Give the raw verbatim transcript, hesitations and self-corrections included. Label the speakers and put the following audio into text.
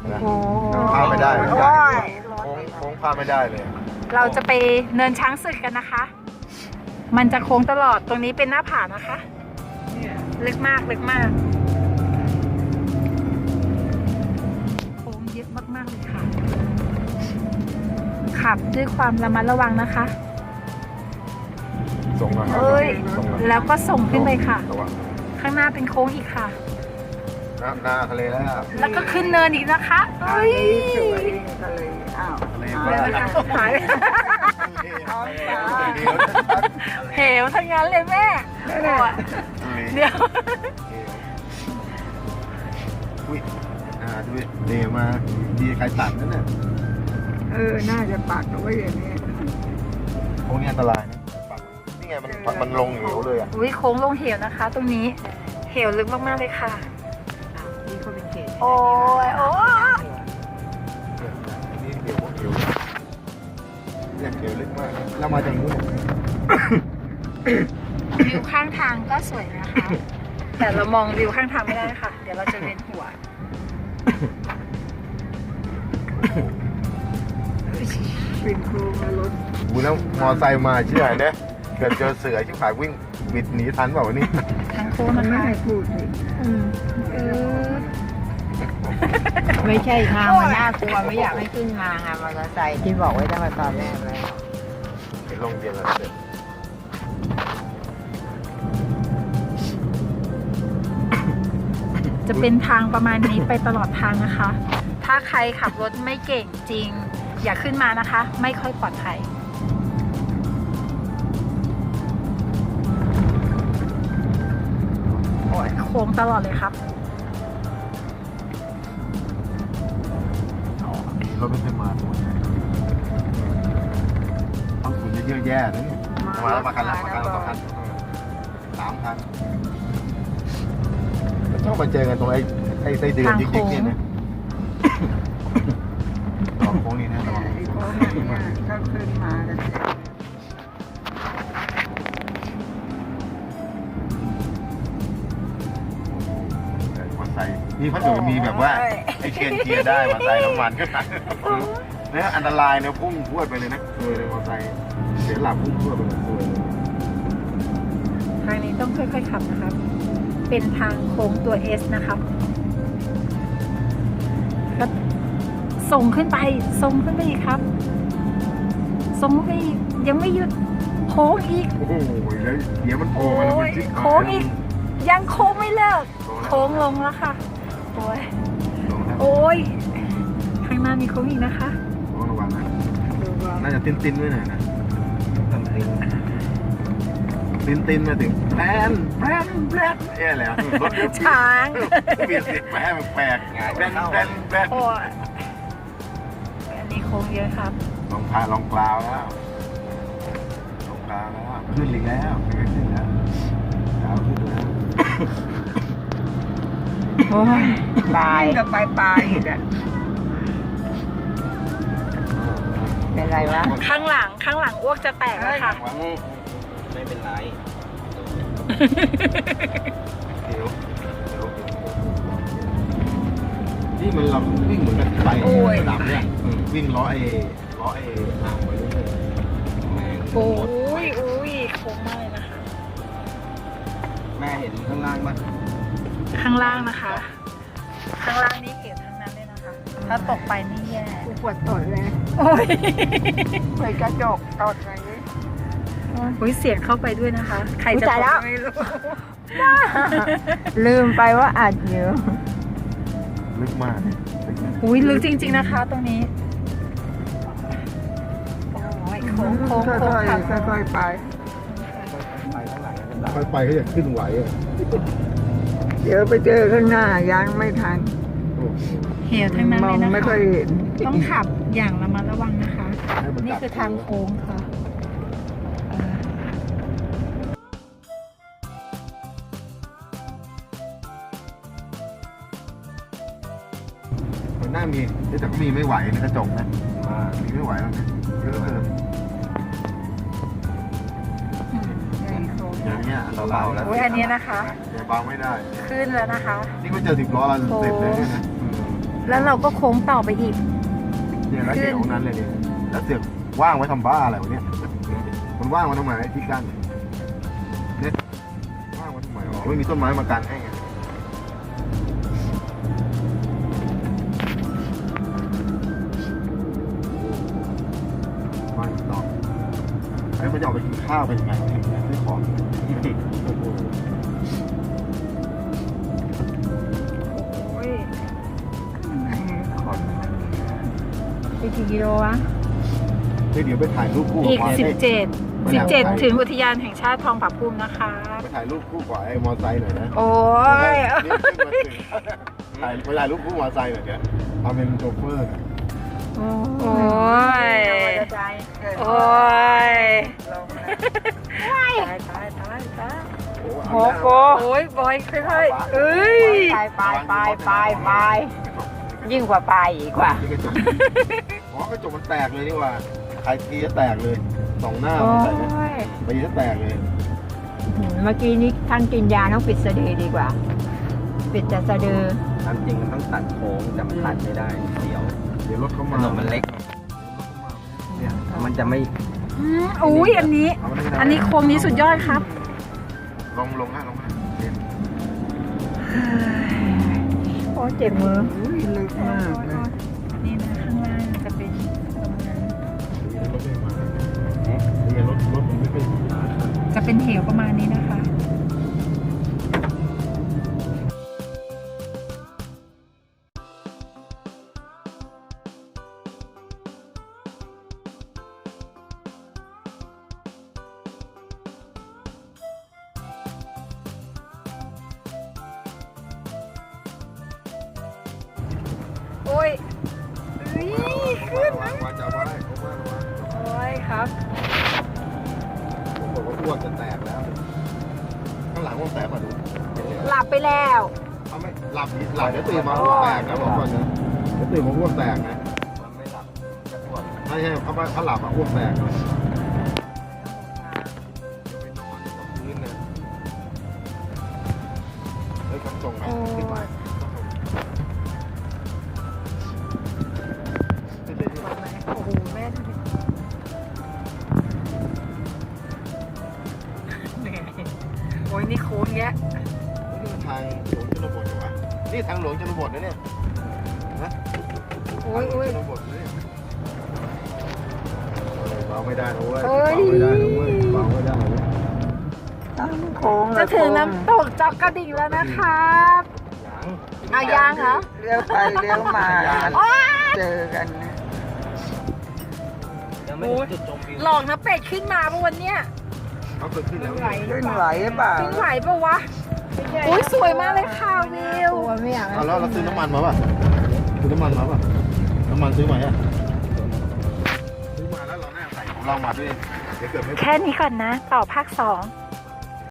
Speaker 1: โอ้
Speaker 2: พลาดไม่ได้เลย
Speaker 1: โอ้ย
Speaker 2: โค้งโค้งพลาดไม่ได้เลย
Speaker 1: เราจะไปเนินช้างศึกกันนะคะ มันจะโค้งตลอดตรงนี้เป็นหน้าผานะคะลึกมากลึกมากโค้งเยอะมากๆเลยค่ะขับด้วยความระมัดระวังนะคะ
Speaker 2: ส่งมาครับ
Speaker 1: เอ้ย
Speaker 2: ส่งมา
Speaker 1: แล้วก็ส่งขึ้นไปค่ะ
Speaker 2: ระวัง
Speaker 1: ข้างหน้าเป็นโค้งอีกค่ะ
Speaker 2: หน้าหน้าทะเลแล้ว
Speaker 1: แล้วก็ขึ้นเนินอีกนะคะเอ้ย
Speaker 3: ทะเลอ้าว
Speaker 2: ทะเล
Speaker 1: เดี๋ยวนะคะหายเหวทั้งนั้นเลยแม่โอ้ยเดี๋ยว
Speaker 2: อุ้ยอ่าดูเดมาดีใครตัดนั่นน่ะ
Speaker 3: เออ น่าจะปักเอาไว้อย่างนี้
Speaker 2: โค้งนี่อันตรายนะปักนี่ไงมันมันลงเหวเลยอ่ะ
Speaker 1: อุ้ยโค้งลงเหวนะคะ ตรงนี้เหวลึกมากๆเลยค่ะ
Speaker 3: นี่เขาเป็นเขต
Speaker 1: โอ้ยโอ้ย
Speaker 2: นี่เหวเหวเนี่ยเหวลึกมากเรามาจากนู้น
Speaker 1: วิวข้างทางก็สวยนะคะ แต่เรามองวิวข้างทางไม่ได้ค่ะ เดี๋ยวเราจะเวียนหัว
Speaker 3: เป็นครูมารถ
Speaker 2: กูแล้วมอไซค์มาเชื่อเนี่ยเกิดเจอเสือชิบหายวิ่งบิดหนีทันเปล่าวะนี่
Speaker 1: ทางโค้ง
Speaker 3: มัน
Speaker 1: นะ
Speaker 3: ไม่
Speaker 1: คะ
Speaker 3: ให้พูดเลย
Speaker 1: อืมเออ
Speaker 3: ไม่ใช่ทางมันน่ากลัวไม่อยากให้ขึ้นมาไงมอเตอร์ไซค์ที่บอกไว้ตั้งแต่ตอนแรกเลย
Speaker 2: เห็นลงเย็นแล้วเสร็จ
Speaker 1: จะเป็นทางประมาณนี้ไปตลอดทางนะคะ ถ้าใครขับรถไม่เก่งจริง อย่าขึ้นมานะคะ ไม่ค่อยปลอดภัย โอ้ยโค้งตลอดเลยครับ
Speaker 2: รถไม่เคยมาตัวต้องคุณเยอะแย่นะเนี่ยมาแล้วมากันแล้วมากันแล้วสองคันสามคันชอบมาเจอกันตรงไอ้ไอ้ไส้เดือนยิกๆเนี่ยนะตอนโค้งนี้นะระวัง
Speaker 3: ไอ้พวกนี้ถ้าขึ้นมากัน
Speaker 2: มอไซค์นี่พัดดูมีแบบว่าไอ้เคนเกียร์ได้มอไซค์น้ำมันก็ได้เนี่ยอันตรายนะพุ่งพรวดไปเลยนะเออมอไซค์เสียหลักพุ่งพรวดไปเลยตัวเลย
Speaker 1: ทางนี้ต้องค่อยๆขับนะครับ เป็นทางโค้งตัว S นะครับก็ส่งขึ้นไป ส่งขึ้นไปอีกครับ ส่งขึ้นไปอีกยังไม่หยุด โค้งอีก
Speaker 2: โอ้โหแล้วเดี๋ยวมันโผล่มาแล้วมันจิ๊ก
Speaker 1: โค้งอีก ยังโค้งไม่เลิก โค้งลงแล้วค่ะ โอ้ย
Speaker 2: ลงแล้ว
Speaker 1: โอ้ย ข้างหน้ามีโค้งอีกนะคะ
Speaker 2: ต้องระวังนะ
Speaker 3: ดูว่า
Speaker 2: น่าจะติ้นติ้นๆด้วยหน่อยนะติ้นติ้นๆมาถึงแปนแปนแปนเอ๊ะอะไรอ่ะรถเยอะ
Speaker 1: ช้าง
Speaker 2: เปลี่ยนเสียงแปนแปลกๆแปนแปนแปน
Speaker 1: โอ้ยอันนี้โค้งเยอะครับ
Speaker 2: ลองพาลองกลาวแล้วลองกลาวแล้วขึ้นอีกแล้วขึ้นแล้วกลาวขึ้นแล้ว
Speaker 3: โอ้ยตายจะไปปลายอีกอ่ะเป็นไรวะ
Speaker 1: ข้างหลัง ข้างหลังอ้วกจะแตกแล้วค่ะ
Speaker 4: ไม่เป็นไร
Speaker 2: เดี๋ยวเดี๋ยวนี่มันเราวิ่งเหมือนกันไประดับเนี่ยวิ่งล้อไอ้ล้อไอ้ห่างไปเรื่อย
Speaker 4: แม่ง
Speaker 1: โอ้ยอุ้ยโค้งมากเลยนะคะ
Speaker 4: แม่เห็นข้างล่างมั้ย
Speaker 1: ข้างล่างนะคะ ข้างล่างนี่เก็บทั้งนั้นเลยนะคะ ถ้าตกไปนี่แย่
Speaker 3: กูปวดตดเลย
Speaker 1: โอ้ย
Speaker 3: เปิดกระจกตดอะไรนี้
Speaker 1: อุ้ยเสียงเข้าไปด้วยนะคะ ใครจะ
Speaker 3: อุ๊ยตายแล้ว
Speaker 1: ไม่รู้
Speaker 3: ลืมไปว่าอัดอยู่
Speaker 2: ลึกมาก
Speaker 1: อุ้ยลึกจริง ๆนะคะ ตรงนี้โอ้ยโค้งโค้ง
Speaker 3: ค่
Speaker 1: โค้งค่ะ
Speaker 3: อยๆค่อยๆไป
Speaker 4: ไปเท่าไหร่ก็ได้
Speaker 2: ค่อยไปเขาจะขึ้นไหวอ่ะ
Speaker 3: เดี๋ยวไปเจอข้างหน้ายังไม่ทัน
Speaker 1: เหวทั้งนั้น
Speaker 3: ม
Speaker 1: เล
Speaker 3: อง
Speaker 1: ยนะ
Speaker 3: ไม่
Speaker 1: คะ
Speaker 3: ค่อยเห็น
Speaker 1: ต้องขับอย่างระมัดระวังนะคะ นี่คือทางโค้งค่ะเออ
Speaker 2: มันน่ามีแต่ก็มีไม่ไหวในกระจกนะมีไม่ไหวแล้วนะเยอะเกินอย่างเงี้ยอันตรายแล้ว
Speaker 1: อุ้ยอันนี้นะคะ
Speaker 2: เดี๋ยวเบาไม่ได้
Speaker 1: ขึ้นแล้วนะคะ
Speaker 2: นี่ก็เจอสิบล้อแล้วเสร็จเลยนะ
Speaker 1: แล้วเราก็โค้งต่อไปอีก
Speaker 2: เนี่ยแล้วเดี๋ยวนั้นเลยเนี่ยแล้วเสือกว่างไว้ทำบ้าอะไรวะเนี่ยมันว่างไว้ทำไมไอ้ที่กั้นเนี่ยว่างไว้ทำไมอ๋อไม่มีต้นไม้มากันให้ไงไม่ต่อไอ้มันจะออกไปกินข้าวเป็นไงซื้อของโอ้โห
Speaker 1: โอ้ย
Speaker 3: ไปกี่กิโลวะ
Speaker 2: เดี๋ยวไปถ่ายรูปคู่
Speaker 1: อีก
Speaker 2: บ
Speaker 1: สิบ
Speaker 2: ไ
Speaker 1: เจ็ด
Speaker 2: ไม่
Speaker 1: สิ
Speaker 2: อบ ยาก
Speaker 1: เจ็ด
Speaker 2: ไป
Speaker 1: ถึงอุทยานแห่งชาติทองผาภูมินะคะ
Speaker 2: ไปถ่ายรูปคู่กับไอ้มอไซค์หน่อยนะ
Speaker 1: โอ้ย
Speaker 2: นี่ขึ้นมาถึงถ่ายไปถ่ายรูปคู่มอไซค์หน่อยเนี่ยทำเป็นโชเฟอร์น่ะ
Speaker 1: โอ้ย
Speaker 3: มอเตอร์ไซค์เกิด
Speaker 1: โอ้ย
Speaker 3: ลงนะตายตายตายตาย
Speaker 2: โอ้โห
Speaker 1: โอ้ยบอยค่อยๆเอ้ย
Speaker 3: ไปไปไปไปไปยิ่งกว่าไปอีกว่า
Speaker 2: นี่กระจกอ๋อกระจกมันแตกเลยนี่หว่าใครทีจะแตกเลยสองหน้า
Speaker 1: โอ้
Speaker 2: มันแตกเลย
Speaker 1: ย
Speaker 2: ไปจะแตกเลย
Speaker 3: เมื่อกี้นี้ท่านกินยาต้องปิดสะดือดีกว่า ปิดแต่สะดือ
Speaker 4: ตามจริงมันต้องตัดโค้งแต่มันตัดไม่ได้เสียว
Speaker 2: เดี๋ยวรถเข้า
Speaker 4: ถ
Speaker 2: มาน
Speaker 4: นมันเล็กเนี่ยมันจะไม่
Speaker 1: อืมอุ้ยอันนี้
Speaker 2: เามาได้ไหม
Speaker 1: อันนี้โค้งนี้สุดยอดครับ
Speaker 2: ลงลงฮะลงฮะเล่น
Speaker 3: โอ้เจ็บมือ
Speaker 2: ลึกมากเลย
Speaker 1: นี่นะข้างล่างจะเป็นตรงนั้น
Speaker 2: รถไม่มาเนี่ยรถรถมันไม่เป็น
Speaker 1: จะเป็นเหวประมาณนี้นะคะ โอ้ยเฮ้ยขึ้น
Speaker 2: วางวางจะเอาไว้เขาว่าวาง
Speaker 1: โอ้ยครับ
Speaker 2: ผมบอกว่าอ้วกจะแตกแล้ว ข้างหลังอ้วกแตกมาดู
Speaker 1: หลับไปแล้ว
Speaker 2: เอาไม่หลับดิหลับเดี๋ยวตื่นมาอ้วกแตกนะบอกก่อนนะเดี๋ยวตื่นมาอ้วกแตกนะ
Speaker 4: มันไม่หลับจะปวด
Speaker 2: ไม่ใช่เขาเขาหลับอ่ะอ้วกแตกนะไปนอนกับพื้นนะเฮ้ยขันส่งไหมขึ้นมาขึ้นเลยขึ้นเลย
Speaker 1: โอ้โหแม่ดูดิเหนื่อยโอ้ยนี่โค้งแยะ
Speaker 2: นี่ทางหลวงชนบทเหรอวะนี่ทางหลวงชนบทนะเนี่ยนะ
Speaker 1: โอ้ยโอ้ย
Speaker 2: ทางหลวงชนบทนะเนี่ยเออเบาไม่ได้นะเว้ย
Speaker 1: เอ้ย
Speaker 2: เบาไม่ได้นะเว้ยเบาไม่ได้นะเว้ย
Speaker 3: โค้ง
Speaker 1: จะถึงน้ำตกจอกกระดิ่งแล้วนะครับ
Speaker 2: ยัง
Speaker 1: เอายางเหรอ
Speaker 3: เลี้ยวไปเลี้ยวมา เจอกันนะ
Speaker 4: ยังไม่ถึงจุดชมวิว
Speaker 1: หลอกนะเป็ดขึ้นมาปะวันเนี้ย
Speaker 2: เขาเกิดขึ้นแล้ว
Speaker 3: ขึ้นไหวหรือเปล่า
Speaker 1: ขึ้นไหวปะวะโอ้ยสวยมากเลยค่ะวิว
Speaker 3: ตัวไม่อยาก
Speaker 2: เอาแล้วเราซื้อน้ำมันมาป่ะซื้อน้ำมันมาป่ะน้ำมันซื้อมาอ่ะซื้อมาแล้วเราแน่ใส่ของเรามาด้วยเดี๋ยวเกิดไม่
Speaker 1: แค่นี้ก่อนนะ ต่อภาคสอง
Speaker 2: เ